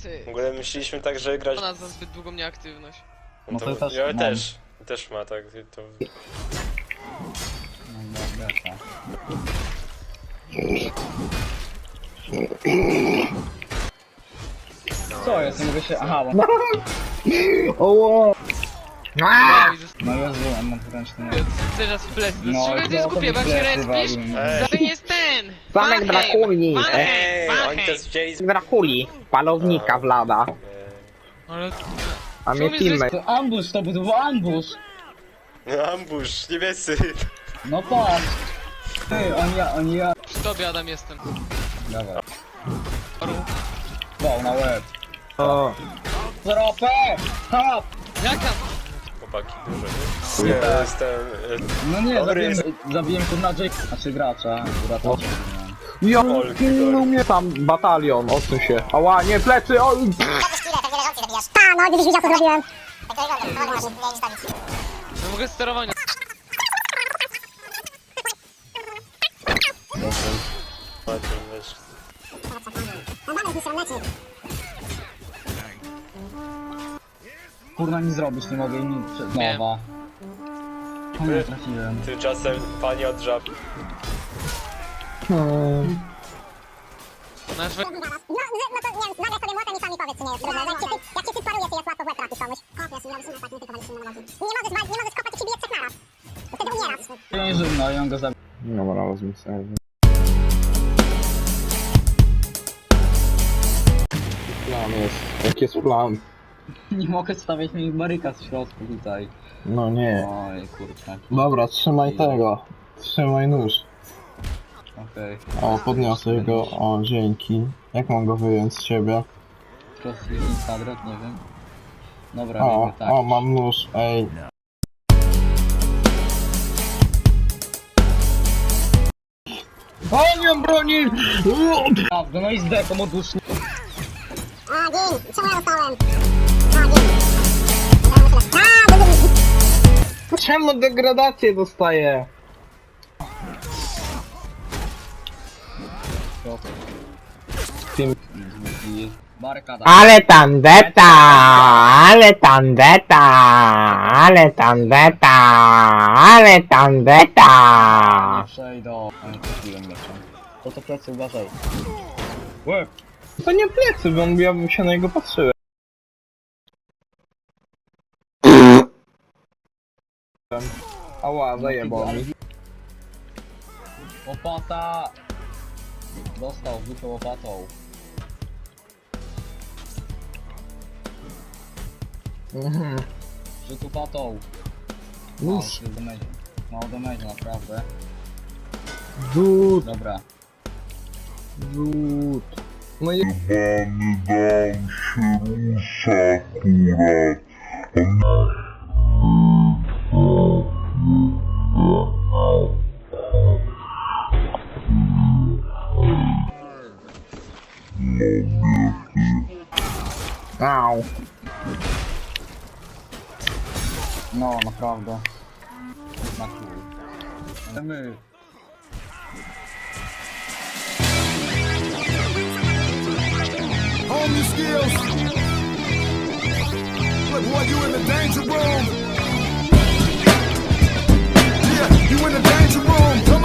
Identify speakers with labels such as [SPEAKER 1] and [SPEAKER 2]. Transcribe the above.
[SPEAKER 1] Ty.
[SPEAKER 2] W ogóle myśleliśmy tak, że grać...
[SPEAKER 1] Ona za zbyt długą nieaktywność.
[SPEAKER 3] No to też
[SPEAKER 2] ja
[SPEAKER 3] mam.
[SPEAKER 2] też ma tak, to...
[SPEAKER 3] No dobra, tak. Co jest? Nie mogę się... Aha, bo...
[SPEAKER 4] Oło!
[SPEAKER 1] Wow, i został
[SPEAKER 3] No Jezu, mam ręczny.
[SPEAKER 1] teraz w plecy.
[SPEAKER 3] No,
[SPEAKER 1] Dlaczego to jest
[SPEAKER 3] to
[SPEAKER 1] głupie, bo jak
[SPEAKER 3] mi
[SPEAKER 1] się
[SPEAKER 3] plecy
[SPEAKER 1] respisz,
[SPEAKER 3] walił.
[SPEAKER 1] to jest ten!
[SPEAKER 4] Zamek Drakuli!
[SPEAKER 2] Ej, oni to wzięli z...
[SPEAKER 4] Drakuli! Palownika Vlada.
[SPEAKER 1] Ale...
[SPEAKER 4] A mnie
[SPEAKER 1] Czemu
[SPEAKER 4] teammate.
[SPEAKER 3] To ambush, to był ambush!
[SPEAKER 2] Ambush, niebiescy.
[SPEAKER 3] No patrz! Ty, oni ja...
[SPEAKER 1] Przy tobie, Adam, jestem.
[SPEAKER 3] Dawaj. Wow, na łeb.
[SPEAKER 4] O,
[SPEAKER 3] Zropę! Hop!
[SPEAKER 1] Jak tam?
[SPEAKER 2] Chłopaki, dużo, nie? Ja jestem...
[SPEAKER 3] No nie,
[SPEAKER 2] Dobry
[SPEAKER 3] zabiłem kurna Jake, znaczy gracza.
[SPEAKER 4] ja pilnuj mnie tam batalion, odsuń się. Ała, nie, plecy, o!
[SPEAKER 5] No, gdybyś widział co zrobiłem. Tak to wygląda, to masz nie stawić.
[SPEAKER 1] Ja mogę sterowania.
[SPEAKER 2] Wiesz,
[SPEAKER 5] No mamy mi sronecznik.
[SPEAKER 3] Kurna nie zrobisz, nie mogę im przed nowa. O nie, trafiłem.
[SPEAKER 2] tymczasem pani od żab...
[SPEAKER 1] Nasz...
[SPEAKER 5] No to nie wiem, nagle sobie młotem i sami powiedz, czy nie jest trudne. Jak cię typaruje, to jest łatwo w łeb trafić komuś. Kopiesz i robisz tak, nie typowaliśmy nie możesz. Nie możesz kopać, to ci bije trzech naraz. To wtedy umierasz.
[SPEAKER 3] Ja nie żywno i on go zabił.
[SPEAKER 4] Dobra, rozumiem sobie. Plan jest. Jaki jest plan?
[SPEAKER 3] Nie mogę stawiać mi barykad w środku tutaj.
[SPEAKER 4] No nie.
[SPEAKER 3] Oj, kurczę.
[SPEAKER 4] Dobra, trzymaj tego. Trzymaj nóż.
[SPEAKER 3] Okej.
[SPEAKER 4] O, podniosę go. O, dzięki. Jak mam go wyjąć z siebie?
[SPEAKER 3] Prosty kwadrat, nie wiem. Dobra,
[SPEAKER 4] O,
[SPEAKER 3] wiemy, tak.
[SPEAKER 4] o, mam nóż, ej. O, nie mam broni!
[SPEAKER 3] Prawda, no i z deką odłóżnie.
[SPEAKER 5] A, gin, czemu ja dostałem? A, gin.
[SPEAKER 4] Czemu degradację dostaję?
[SPEAKER 3] Barykada.
[SPEAKER 4] Ale tandeta! Ale tandeta! Ale tandeta! Ale tandeta!
[SPEAKER 3] Nie przejdą. A nie trafiłem jeszcze. To plecy uważaj. Łeb.
[SPEAKER 4] To nie plecy, bo ja bym się na niego patrzyłem. Ała, zajebał mi.
[SPEAKER 3] Łopata! Dostał w dupę łopatą.
[SPEAKER 4] Mhm.
[SPEAKER 3] Rzut łopatą.
[SPEAKER 4] Nóż.
[SPEAKER 3] Mało damage, naprawdę.
[SPEAKER 4] Dud,
[SPEAKER 3] Dobra.
[SPEAKER 4] dud. No i...
[SPEAKER 6] Jebany dam się rusza akurat.
[SPEAKER 4] Au.
[SPEAKER 3] No, naprawdę. Na chuj. My.
[SPEAKER 7] Hone your skills. Look, boy, you in the danger room. Yeah, you in the danger room.